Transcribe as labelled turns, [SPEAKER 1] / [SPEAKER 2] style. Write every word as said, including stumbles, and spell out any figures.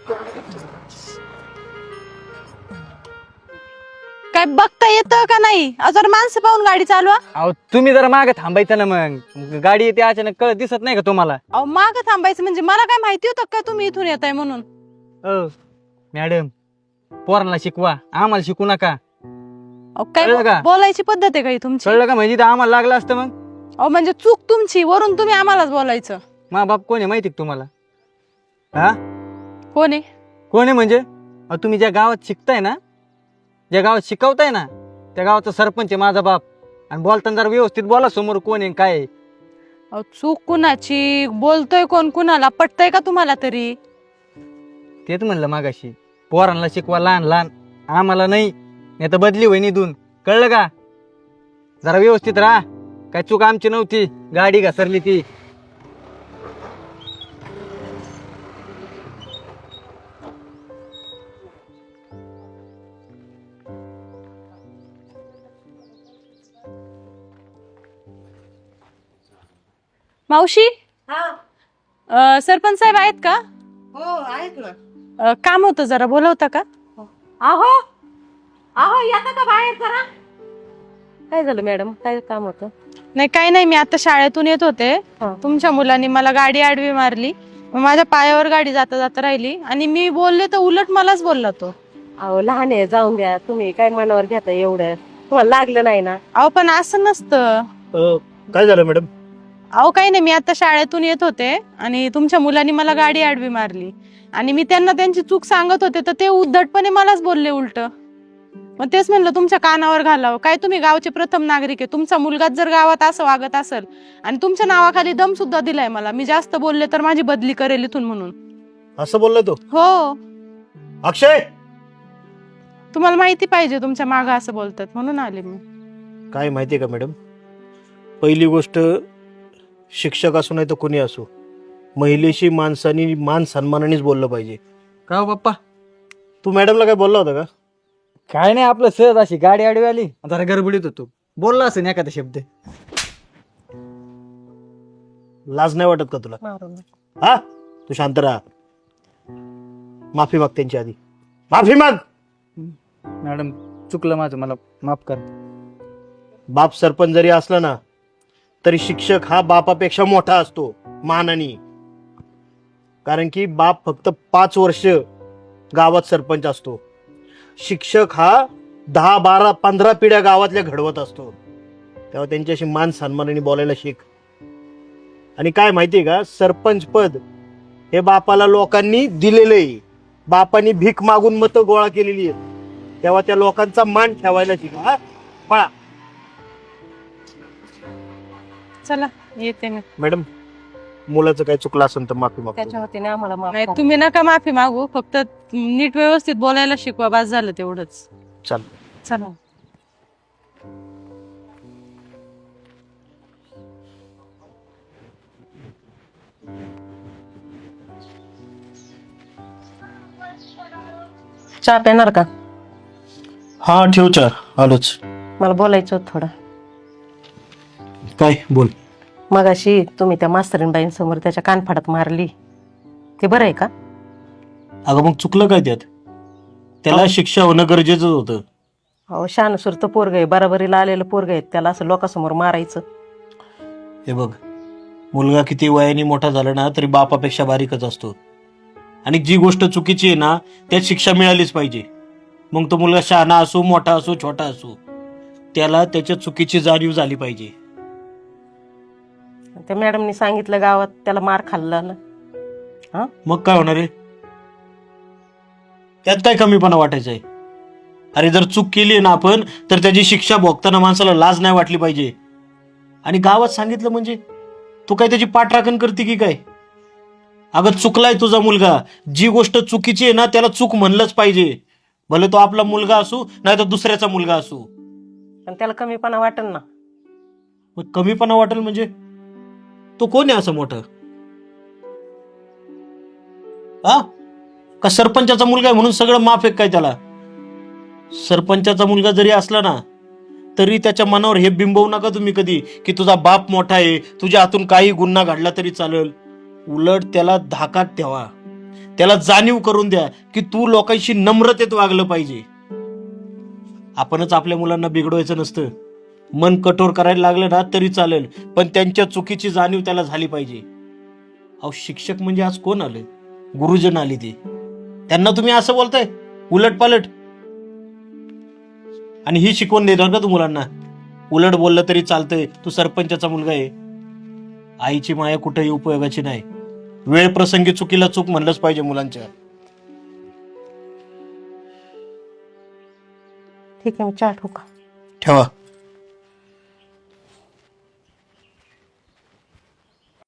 [SPEAKER 1] काय बघता येतं का नाही? अजून माणसं पाहून गाडी चालवा.
[SPEAKER 2] अहो तुम्ही जरा मागे थांबायचं ना, मग गाडी येते अचानक, कळत दिसत नाही का तुम्हाला?
[SPEAKER 1] अहो माग थांबायचं म्हणजे मला काय माहिती होतं का तुम्ही इथून येताय म्हणून?
[SPEAKER 2] अ मॅडम, पोरांना शिकवा, आम्हाला शिकू नका.
[SPEAKER 1] अहो काय
[SPEAKER 2] कळलं का?
[SPEAKER 1] बोलायची पद्धत आहे का ही तुमची?
[SPEAKER 2] कळलं का? म्हणजे इथं आम्हाला लागलं असतं मग.
[SPEAKER 1] अहो म्हणजे चूक तुमची, वरून तुम्ही आम्हालाच बोलायचं.
[SPEAKER 2] मा बाप कोण आहे माहिती का तुम्हाला? हा
[SPEAKER 1] कोण आहे?
[SPEAKER 2] कोण आहे म्हणजे? अहो तुम्ही ज्या गावात शिकताय ना, ज्या गावात शिकवताय ना, त्या गावाचा सरपंच आहे माझा बाप. आणि बोलताना जरा व्यवस्थित बोला, समोर कोण आहे काय आहे.
[SPEAKER 1] अहो चूक कुणाची? बोलतोय कोण कुणाला? पटतय का तुम्हाला तरी?
[SPEAKER 2] तेच म्हणलं मागाशी, पोरांना शिकवा लहान लहान, आम्हाला नाही, नाही तर बदली होईन इथून. कळलं का? जरा व्यवस्थित राहा. काय चूक आमची नव्हती, गाडी घसरली ती.
[SPEAKER 1] मावशी, अं, सरपंच साहेब आहेत का?
[SPEAKER 3] हो आहेत ना.
[SPEAKER 1] अं, काम होतं, जरा बोलवता का?
[SPEAKER 3] आहो आहो येता का बाहेर जरा? काय झालं मॅडम, काय काम होतं?
[SPEAKER 1] नाही काही नाही, मी आता शाळेतून येत होते.
[SPEAKER 3] हा.
[SPEAKER 1] तुमच्या मुलांनी मला गाडी आडवी मारली, मग माझ्या पायावर गाडी जाता जाता राहिली आणि मी बोलले तर उलट मलाच बोलला तो.
[SPEAKER 3] अहो लहान आहे, जाऊन द्या. तुम्ही काय मनावर घेता एवढं? तुम्हाला लागलं नाही ना?
[SPEAKER 1] अहो पण असं नसतं.
[SPEAKER 4] काय झालं मॅडम?
[SPEAKER 1] अहो काही नाही, मी आता शाळेतून येत होते आणि तुमच्या मुलांनी मला गाडी आडवी मारली आणि मी त्यांना त्यांची चूक सांगत होते, तर ते उद्धटपणे मलाच बोलले उलट. मग तेच म्हणलं तुमच्या कानावर घालावं. काय तुम्ही गावचे प्रथम नागरिक आहे, तुमचा मुलगाच जर गावात असं वागत असेल आणि तुमच्या नावाखाली दम सुद्धा दिलाय मला, मी जास्त बोलले तर माझी बदली करेल इथून म्हणून.
[SPEAKER 4] असं बोलला तो?
[SPEAKER 1] हो,
[SPEAKER 4] अक्षय,
[SPEAKER 1] तुम्हाला माहिती पाहिजे तुमच्या मागं असं बोलतात म्हणून आले मी.
[SPEAKER 4] काय माहितीये का मॅडम, पहिली गोष्ट, शिक्षक असो नाही तर कोणी असो, महिलेशी माणसानी मान सन्मानानेच बोललं पाहिजे.
[SPEAKER 2] का हो बाप्पा?
[SPEAKER 4] तू मॅडमला काय बोलला होता का?
[SPEAKER 2] काय नाही, आपलं सहज अशी गाडी आडवी आली, जरा गडबडीत होतो, बोलला असेल एखादा शब्द.
[SPEAKER 4] लाज नाही वाटत का तुला?
[SPEAKER 3] मारून
[SPEAKER 4] हा, तू शांत राहा. माफी माग त्यांची आधी, माफी माग.
[SPEAKER 2] मॅडम चुकलं माझं, मला माफ कर.
[SPEAKER 4] बाप सरपंच जरी असला ना, तरी शिक्षक हा बापापेक्षा मोठा असतो मानाने. कारण की बाप फक्त पाच वर्ष गावात सरपंच असतो, शिक्षक हा दहा बारा पंधरा पिढ्या गावातल्या घडवत असतो. तेव्हा त्यांच्याशी मान सन्मानाने बोलायला शिक. आणि काय माहितीये का, सरपंच पद हे बापाला लोकांनी दिलेलं आहे, बापानी भीक मागून मतं गोळा केलेली आहेत. तेव्हा त्या लोकांचा मान ठेवायला शिका. हा, पळा.
[SPEAKER 1] चला येते मी.
[SPEAKER 4] मॅडम, मुलाचं काय चुकलं असेल तर माफी मागतो.
[SPEAKER 3] त्याच्या वतीने आम्हाला माफ
[SPEAKER 1] नाही
[SPEAKER 3] करा.
[SPEAKER 1] तुम्ही नका माफी मागू, फक्त नीट व्यवस्थित बोलायला शिकवा, बस झालं तेवढंच.
[SPEAKER 4] चल.
[SPEAKER 1] चला.
[SPEAKER 3] चहा पेणार का?
[SPEAKER 4] हा ठेव चार, आलोच.
[SPEAKER 3] मला बोलायचं होतं थोडं.
[SPEAKER 4] काय बोल.
[SPEAKER 3] मगाशी तुम्ही त्या मास्तरीनबाईंसमोर त्याच्या कानफाडात मारली, ते बरं आहे का?
[SPEAKER 4] अगं मग चुकलं काय त्यात? त्याला शिक्षा होणं गरजेचं होतं.
[SPEAKER 3] अहो शानसूर पोरग आहे, बराबरीला आलेलं पोरग आहे, त्याला असं लोकांसमोर मारायचं?
[SPEAKER 4] हे बघ, मुलगा किती वयाने मोठा झाला ना तरी बापापेक्षा बारीकच असतो. आणि जी गोष्ट चुकीची आहे ना त्यात शिक्षा मिळालीच पाहिजे. मग तो मुलगा शहाणा असो, मोठा असो, छोटा असो, त्याला त्याच्या चुकीची जाणीव झाली पाहिजे.
[SPEAKER 3] त्या मॅडमनी सांगितलं गावात त्याला मार खाल्ला ना. हा,
[SPEAKER 4] मग काय होणार आहे? त्यात काय कमीपणा वाटायचं आहे? अरे जर चूक केली आहे ना आपण, तर त्याची शिक्षा भोगताना माणसाला लाज नाही वाटली पाहिजे. आणि गावात सांगितलं म्हणजे तू काय त्याची पाठराखण करते की काय? अगं चुकलाय तुझा मुलगा, जी गोष्ट चुकीची आहे ना त्याला चूक म्हणलंच पाहिजे. भले तो आपला मुलगा असू नाही तर दुसऱ्याचा मुलगा असू.
[SPEAKER 3] पण त्याला कमीपणा वाटेल ना.
[SPEAKER 4] मग कमीपणा वाटेल म्हणजे तो कोण आहे असं मोठं? हा, का सरपंचाचा मुलगा आहे म्हणून सगळं माफ आहे काय त्याला? सरपंचाचा मुलगा जरी असला ना तरी त्याच्या मनावर हे बिंबवू नका तुम्ही कधी की तुझा बाप मोठा आहे, तुझ्या हातून काही गुन्हा घडला तरी चालेल. उलट त्याला धाकात ठेवा, त्याला जाणीव करून द्या की तू लोकांशी नम्रतेत वागलं पाहिजे. आपणच आपल्या मुलांना बिघडवायचं नसतं. मन कठोर करायला लागलं ना तरी चालेल, पण त्यांच्या चुकीची जाणीव त्याला झाली पाहिजे. अहो शिक्षक म्हणजे आज कोण आले? गुरुजन आले ते. त्यांना तुम्ही असं बोलताय उलट पालट, आणि ही शिकवण देणार का तू मुलांना? उलट बोललं तरी चालतंय, तू सरपंचाचा मुलगा आहे. आईची माया कुठेही उपयोगाची नाही. वेळ प्रसंगी चुकीला चूक म्हणलंच पाहिजे मुलांच्या.
[SPEAKER 3] ठीक आहे, मी चहा ठेवू का?
[SPEAKER 4] ठेवा.